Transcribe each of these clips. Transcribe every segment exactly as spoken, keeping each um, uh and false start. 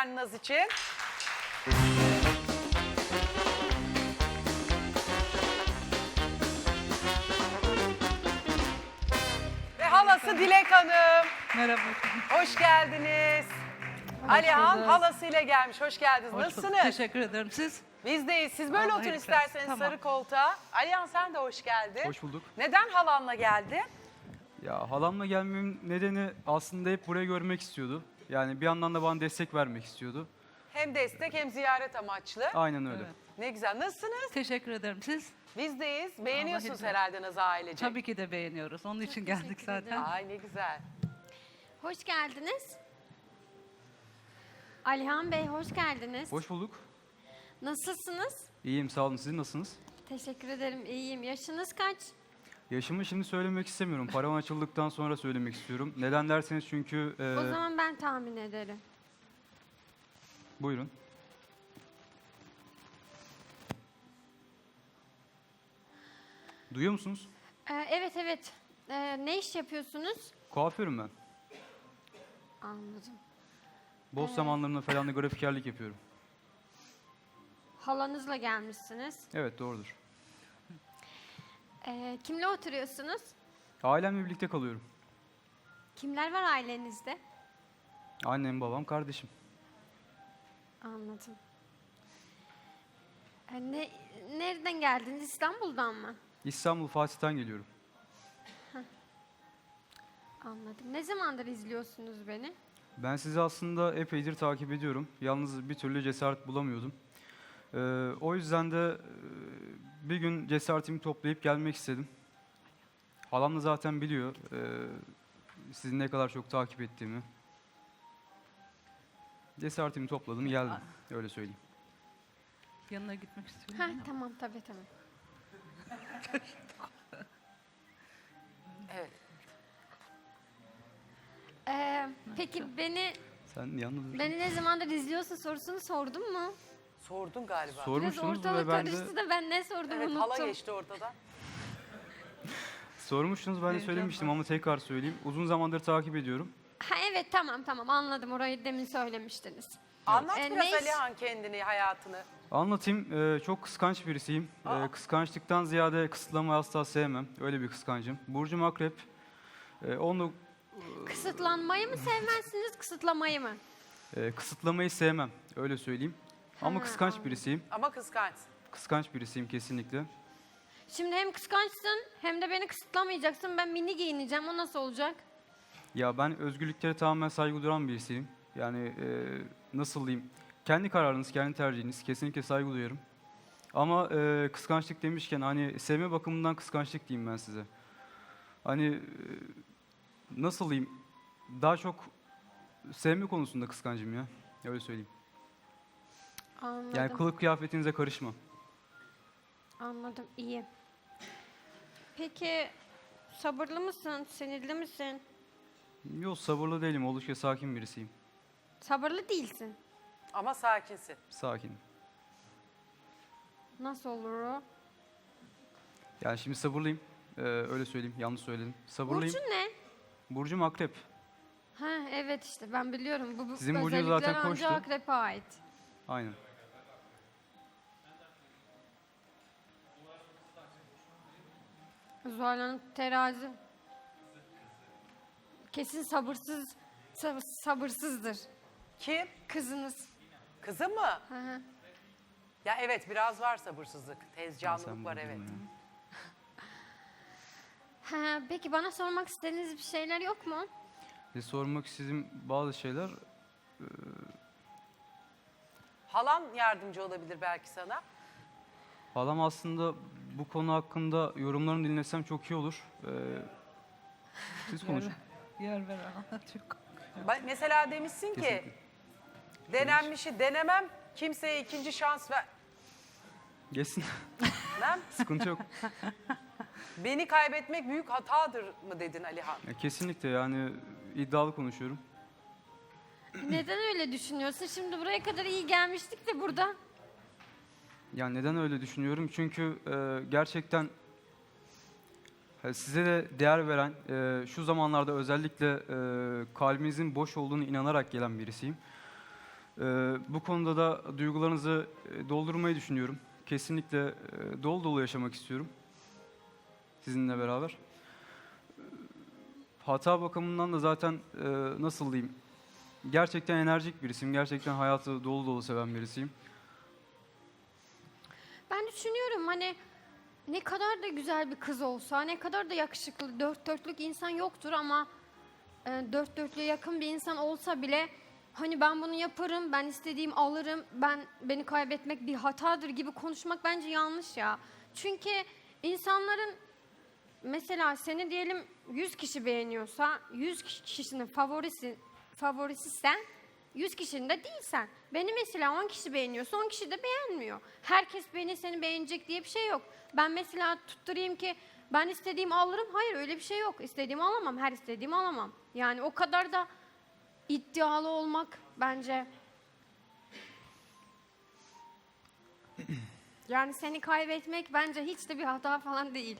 efendim Naz için. Ve halası Dilek Hanım. Merhaba. Hoş geldiniz. Alihan halasıyla gelmiş. Hoş geldiniz. Hoş bulduk. Nasılsınız? Teşekkür ederim. Siz? Bizdeyiz. Siz böyle Allah oturun iyilik isterseniz versin. Tamam. sarı koltuğa. Alihan sen de hoş geldin. Hoş bulduk. Neden halanla geldin? Ya halamla gelmemin nedeni aslında hep burayı görmek istiyordu. Yani bir yandan da bana destek vermek istiyordu. Hem destek hem ziyaret amaçlı. Aynen öyle. Evet. Ne güzel. Nasılsınız? Teşekkür ederim. Siz? Bizdeyiz. Beğeniyorsunuz iyilik versin. herhalde Naz ailecek. Tabii ki de beğeniyoruz. Onun için geldik teşekkür zaten. ederim. Ay ne güzel. Hoş geldiniz. Alihan Bey hoş geldiniz. Hoş bulduk. Nasılsınız? İyiyim, sağ olun. Siz nasılsınız? Teşekkür ederim, iyiyim. Yaşınız kaç? Yaşımı şimdi söylemek istemiyorum. Param açıldıktan sonra söylemek istiyorum. Neden derseniz çünkü... e, O zaman ben tahmin ederim. Buyurun. Duyuyor musunuz? Ee, evet evet. Ee, ne iş yapıyorsunuz? Kuaförüm ben. Anladım. Boş zamanlarımda falan da grafikerlik yapıyorum. Halanızla gelmişsiniz. Evet, doğrudur. Ee, kimle oturuyorsunuz? Ailemle birlikte kalıyorum. Kimler var ailenizde? Annem, babam, kardeşim. Anladım. Ee, ne, nereden geldiniz? İstanbul'dan mı? İstanbul Fatih'ten geliyorum. Anladım. Ne zamandır izliyorsunuz beni? Ben sizi aslında epeydir takip ediyorum. Yalnız bir türlü cesaret bulamıyordum. Ee, o yüzden de e, bir gün cesaretimi toplayıp gelmek istedim. Halam da zaten biliyor e, sizin ne kadar çok takip ettiğimi. Cesaretimi topladım, geldim. Öyle söyleyeyim. Yanına gitmek istiyorum. Ha, ama. tamam tabii tamam. Evet. Ee, peki beni Sen yalnız beni ne zamandır izliyorsun sorusunu sordum mu? Sordun galiba. Biraz sormuştunuz ortalık ve ben de karıştı da ben ne sordum Evet unuttum. hala geçti ortadan. sormuştunuz, ben de Heyecan söylemiştim var. ama tekrar söyleyeyim. Uzun zamandır takip ediyorum. Ha evet tamam tamam anladım orayı demin söylemiştiniz. Anlat Ee, biraz ne iş- Alihan kendini, hayatını. Anlatayım. Ee, çok kıskanç birisiyim. Ee, Aa. kıskançlıktan ziyade kısıtlamayı asla sevmem. Öyle bir kıskancım. Burcum akrep. Ee, onu Kısıtlanmayı mı sevmezsiniz kısıtlamayı mı? e, kısıtlamayı sevmem. Öyle söyleyeyim. Ama Ha, kıskanç anladım. birisiyim. Ama kıskançsın. Kıskanç birisiyim kesinlikle. Şimdi hem kıskançsın hem de beni kısıtlamayacaksın ben mini giyineceğim o nasıl olacak? Ya ben özgürlüklere tamamen saygı duyan birisiyim. Yani e, nasıl diyeyim? Kendi kararınız, kendi tercihiniz. Kesinlikle saygı duyarım. Ama e, kıskançlık demişken hani sevme bakımından kıskançlık diyeyim ben size. Hani e, nasıl diyeyim? Daha çok sevme konusunda kıskancım ya. Öyle söyleyeyim. Anladım. Yani kılık kıyafetinize karışma. Anladım iyi. Peki sabırlı mısın? Sinirli misin? Yok, sabırlı değilim. Oldukça sakin birisiyim. Sabırlı değilsin. Ama sakinsin. Sakinim. Nasıl olur o? Yani şimdi sabırlıyım. Ee, öyle söyleyeyim. Yanlış söyledim. Sabırlıyım. Burcun ne? Burcum akrep. Ha evet işte ben biliyorum. Bu, bu Sizin burcunuz özellikler zaten ancak koçtu. akrepe ait. Aynen. Zuhal Hanım terazi. Kesin sabırsız, sab- sabırsızdır. Kim? Kızınız. Kızım mı? Hı hı. Ya evet biraz var sabırsızlık. Ya Tezcanlılık sen var buldun evet. ya. Ha, peki bana sormak istediğiniz bir şeyler yok mu? Ve sormak istediğim bazı şeyler, Halan yardımcı olabilir belki sana. halam aslında bu konu hakkında yorumlarını dinlesem çok iyi olur. Ee, siz konuşun. Yer ver anlatıyor. Ba- Mesela demişsin ki Kesinlikle. denenmişi denemem kimseye ikinci şans ver. Geçsin. Lan, Sıkıntı yok. beni kaybetmek büyük hatadır mı dedin Alihan? Ya kesinlikle yani iddialı konuşuyorum. Neden öyle düşünüyorsun? Şimdi buraya kadar iyi gelmiştik de burada. Yani neden öyle düşünüyorum? Çünkü e, gerçekten e, size de değer veren, e, şu zamanlarda özellikle e, kalbinizin boş olduğunu inanarak gelen birisiyim. Ee, bu konuda da duygularınızı e, doldurmayı düşünüyorum. Kesinlikle e, dolu dolu yaşamak istiyorum sizinle beraber. Ee, Hata bakımından da zaten e, nasıl diyeyim, gerçekten enerjik birisiyim, gerçekten hayatı dolu dolu seven birisiyim. Ben düşünüyorum hani ne kadar da güzel bir kız olsa, ne kadar da yakışıklı, dört dörtlük insan yoktur ama e, dört dörtlüğe yakın bir insan olsa bile hani ben bunu yaparım, ben istediğim alırım, ben beni kaybetmek bir hatadır gibi konuşmak bence yanlış ya. Çünkü insanların mesela seni diyelim yüz kişi beğeniyorsa, yüz kişinin favorisi favorisi sen, yüz kişinin de değilsen. Beni mesela on kişi beğeniyorsa on kişi de beğenmiyor. Herkes beni seni beğenecek diye bir şey yok. Ben mesela tutturayım ki ben istediğimi alırım. Hayır öyle bir şey yok. İstediğimi alamam. Her istediğimi alamam. Yani o kadar da iddialı olmak bence. Yani seni kaybetmek bence hiç de bir hata falan değil.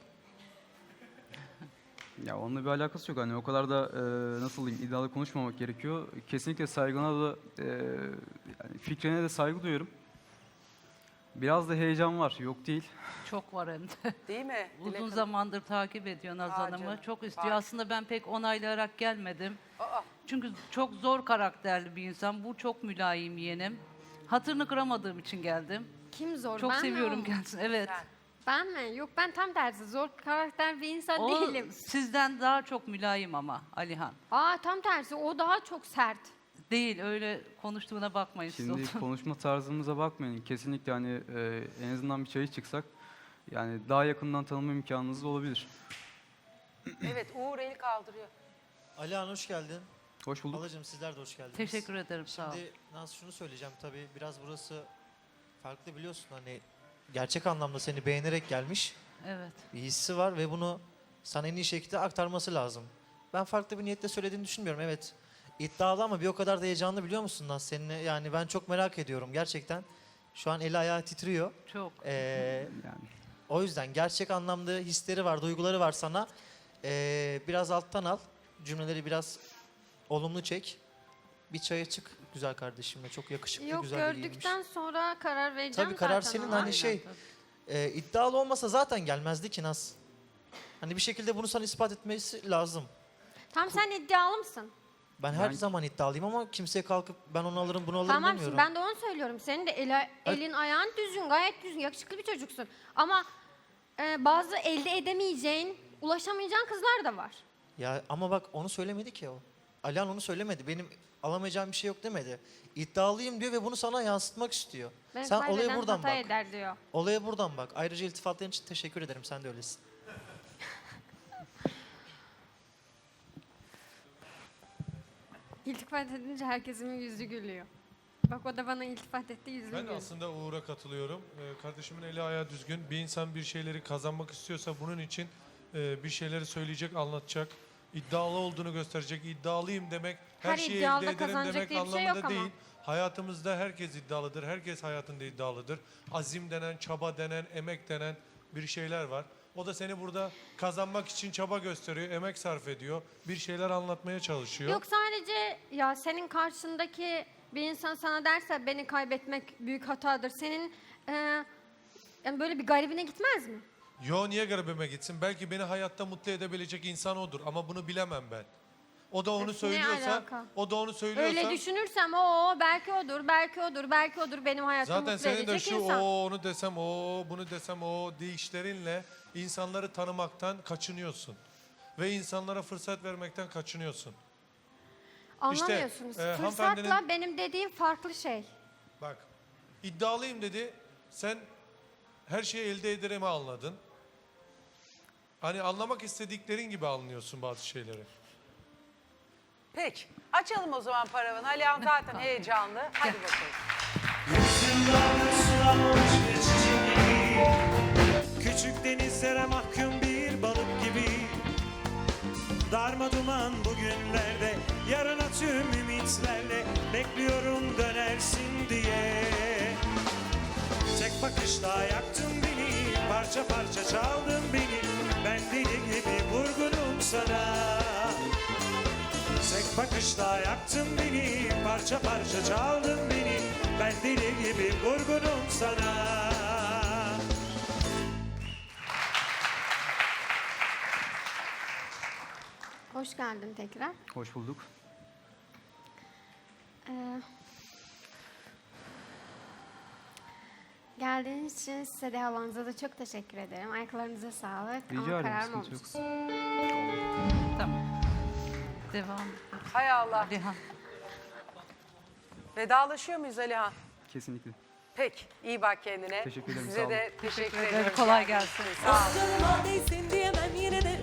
Ya onunla bir alakası yok. Hani o kadar da e, nasıl diyeyim, iddialı konuşmamak gerekiyor. Kesinlikle saygına da e, yani fikrine de saygı duyuyorum. Biraz da heyecan var, yok değil. Çok var hem de. Değil mi? Dilek Uzun Hanım? zamandır takip ediyor Naz Aa, Hanım'ı. canım, Çok istiyor. bak. Aslında ben pek onaylayarak gelmedim. Aa, Çünkü çok zor karakterli bir insan. Bu çok mülayim yeğenim. Hatırını kıramadığım için geldim. Kim zor? Çok ben mi, o seviyorum mu? kendisini. Evet. sen. Ben mi? Yok ben tam tersi. Zor karakter bir insan O değilim. sizden daha çok mülayim ama Alihan. Aa tam tersi. O daha çok sert. Değil, öyle konuştuğuna bakmayın siz Şimdi oturun. konuşma tarzımıza bakmayın. Kesinlikle hani e, en azından bir çayı çıksak yani daha yakından tanıma imkanınız da olabilir. Evet, Uğur eli kaldırıyor. Alihan hoş geldin. Hoş bulduk. Halacığım sizler de hoş geldiniz. Teşekkür ederim, sağ ol. Şimdi Naz şunu söyleyeceğim tabii biraz burası farklı biliyorsun hani gerçek anlamda seni beğenerek gelmiş Evet. bir hissi var ve bunu sana en iyi şekilde aktarması lazım. Ben farklı bir niyetle söylediğini düşünmüyorum evet. İddialı ama bir o kadar da heyecanlı biliyor musun Naz seninle yani ben çok merak ediyorum gerçekten. Şu an eli ayağı titriyor. Çok. Ee, Yani O yüzden gerçek anlamda hisleri var, duyguları var sana. Ee, biraz alttan al. Cümleleri biraz olumlu çek. Bir çaya çık güzel kardeşimle. Çok yakışıklı, Yok güzel biriymiş. gördükten sonra karar vereceğim Tabii karar zaten senin ona. hani şey e, iddialı olmasa zaten gelmezdi ki Naz. Hani bir şekilde bunu sana ispat etmesi lazım. Tam sen iddialı mısın? Ben her Ben- zaman iddialıyım ama kimseye kalkıp ben onu alırım bunu alırım Tamam şimdi demiyorum. ben de onu söylüyorum. Senin de eli- elin ayağın düzgün, gayet düzgün, yakışıklı bir çocuksun. Ama e, bazı elde edemeyeceğin, ulaşamayacağın kızlar da var. Ya ama bak onu söylemedi ki o. Alihan onu söylemedi. Benim alamayacağım bir şey yok demedi. İddialıyım diyor ve bunu sana yansıtmak istiyor. Ben Sen olaya kaybeden buradan hata bak. eder diyor. Olaya buradan bak. Ayrıca iltifatların için teşekkür ederim. Sen de öylesin. İltifat edince herkesin yüzü gülüyor. Bak o da bana iltifat etti, yüzü Ben de gülüyor. aslında Uğur'a katılıyorum. Ee, kardeşimin eli ayağı düzgün. Bir insan bir şeyleri kazanmak istiyorsa bunun için e, bir şeyleri söyleyecek, anlatacak. İddialı olduğunu gösterecek. İddialıyım demek her, Her şeyi iddialı elde ederim kazanacak demek diye bir şey anlamında yok ama. değil. Hayatımızda herkes iddialıdır. Herkes hayatında iddialıdır. Azim denen, çaba denen, emek denen bir şeyler var. O da seni burada kazanmak için çaba gösteriyor, emek sarf ediyor. Bir şeyler anlatmaya çalışıyor. Yok sadece ya senin karşındaki bir insan sana derse beni kaybetmek büyük hatadır. Senin e, yani böyle bir garibine gitmez mi? Yo niye garibime gitsin? Belki beni hayatta mutlu edebilecek insan odur ama bunu bilemem ben. O da onu Ne söylüyorsa, alaka? o da onu söylüyorsa Öyle düşünürsem o belki odur, belki odur, belki odur benim hayatımı zaten mutlu senin de edecek şu insan. o onu desem o bunu desem o deyişlerinle insanları tanımaktan kaçınıyorsun. Ve insanlara fırsat vermekten kaçınıyorsun. Anlamıyorsunuz. e, Fırsatla hanımefendinin- benim dediğim farklı şey. Bak iddialıyım dedi. Sen her şeyi elde ederim anladın. Hani anlamak istediklerin gibi anlıyorsun bazı şeyleri. Peki. Açalım o zaman paravanı. Alihan zaten heyecanlı. Hadi bakalım. Küçük denizlere mahkum bir balık gibi darma duman bugünlerde yarına tüm ümitlerle bekliyorum dönersin diye. Tek bakışta yaktın beni, parça parça çaldın beni. Ben deli gibi vurgunum sana. Tek bakış ateşle yaktın beni, parça parça çaldın beni. Ben deli gibi vurgunum sana. Hoş geldin tekrar. Hoş bulduk. Ee, geldiğiniz için size de havanıza da çok teşekkür ederim. Ayaklarınıza sağlık. Rica Ama ederim, kararım sıkıntı yok. olmuş. Tamam. Devam. Hay Allah. Alihan. Vedalaşıyor muyuz Alihan? Kesinlikle. Peki. iyi bak kendine. Teşekkür ederim, sağ Size olun. de teşekkür ederim. ederim. Kolay gelsin. Sağ olun. Canıma değsin diyemem yine de